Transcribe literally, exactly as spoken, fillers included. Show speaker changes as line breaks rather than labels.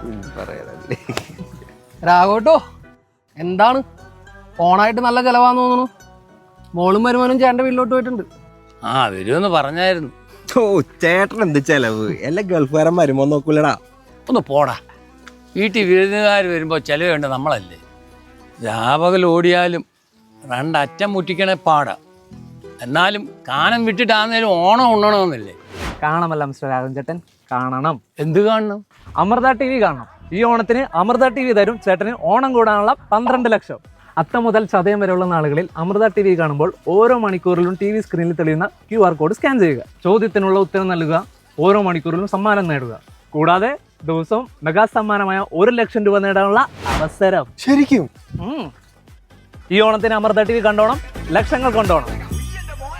പറയാനല്ലേ.
രാഘവട്ടോ എന്താണ് ഓണായിട്ട് നല്ല ചെലവാന്ന് തോന്നുന്നു. മോളും വരുമാനും ചേട്ടൻ്റെ വീട്ടിലോട്ട് പോയിട്ടുണ്ട്.
ആ വരുമെന്ന് പറഞ്ഞായിരുന്നു.
ഓ ചേട്ടൻ എന്ത് ചെലവ്, എല്ലാ ഗൾഫുകാരൻ വരുമ്പോ നോക്കൂലടാ.
ഒന്ന് പോടാ, വീട്ടിൽ വിരുന്നുകാർ വരുമ്പോൾ ചെലവ് വേണ്ട നമ്മളല്ലേ. രാപകൽ ഓടിയാലും രണ്ടറ്റം മുറ്റിക്കണേ പാടാ. എന്നാലും കാനം വിട്ടിട്ടാന്നേലും ഓണം ഉണ്ണണമെന്നില്ലേ.
കാണാമല്ല മിസ്റ്റർ രാഘവൻ ചേട്ടൻ, കാണണം.
എന്ത് കാണണം?
അമൃത ടി വി കാണണം. ഈ ഓണത്തിന് അമൃത ടി വി തരും ചേട്ടന് ഓണം കൂടാനുള്ള പന്ത്രണ്ട് ലക്ഷം. അത്തം മുതൽ ചതയം വരെയുള്ള നാളുകളിൽ അമൃത ടി വി കാണുമ്പോൾ ഓരോ മണിക്കൂറിലും ടി വി സ്ക്രീനിൽ തെളിയുന്ന ക്യു ആർ കോഡ് സ്കാൻ ചെയ്യുക. ചോദ്യത്തിനുള്ള ഉത്തരം നൽകുക. ഓരോ മണിക്കൂറിലും സമ്മാനം നേടുക. കൂടാതെ ദിവസവും മെഗാ സമ്മാനമായ ഒരു ലക്ഷം രൂപ നേടാനുള്ള അവസരം.
ശരിക്കും
ഈ ഓണത്തിന് അമൃത ടി വി കണ്ടോണം, ലക്ഷങ്ങൾ കൊണ്ടോണം.